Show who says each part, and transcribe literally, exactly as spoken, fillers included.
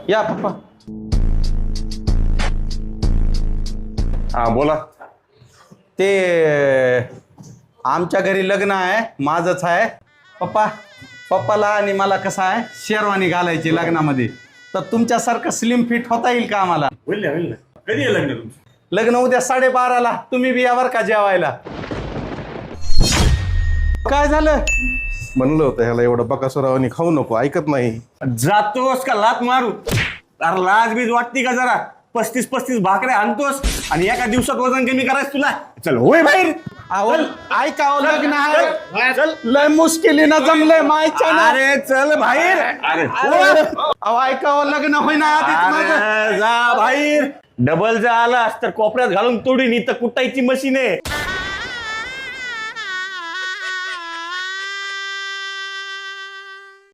Speaker 1: या पप्पा.
Speaker 2: हा बोला.
Speaker 1: ते आमच्या घरी लग्न आहे, माझंच आहे पप्पा. पप्पाला आणि मला कसं आहे शेरवानी घालायची लग्नामध्ये, तर तुमच्यासारखं स्लिम फिट होता येईल का आम्हाला?
Speaker 2: होईल ना होईल ना. कधी आहे लग्न तुमचं?
Speaker 1: लग्न उद्या साडेबाराला. तुम्ही बी यावर का जेवायला? काय झालं?
Speaker 3: म्हणलं होतं ह्याला एवढं बकासुरावानी खाऊ नको, ऐकत नाही.
Speaker 2: जातोस का लात मारू? अरे लाज बीज वाटती का जरा? पस्तीस पस्तीस भाकऱ्या आणतोस आणि एका दिवसात वजन कमी करायचं तुला? चल होय बाहेर.
Speaker 1: अहो ऐका, अहो, लग्न
Speaker 2: चल,
Speaker 1: आहे,
Speaker 2: चल.
Speaker 1: लय मुश्किलीनं जमलंय मायच्या ना.
Speaker 2: अरे चल बाहेर. अरे
Speaker 1: अहो ऐका, अहो, लग्न होईना आधीच माझं.
Speaker 2: अरे, जा बाहेर. डबल जर आलास तर कोपऱ्यात घालून तोडीन. इथं कुटायची मशीन आहे.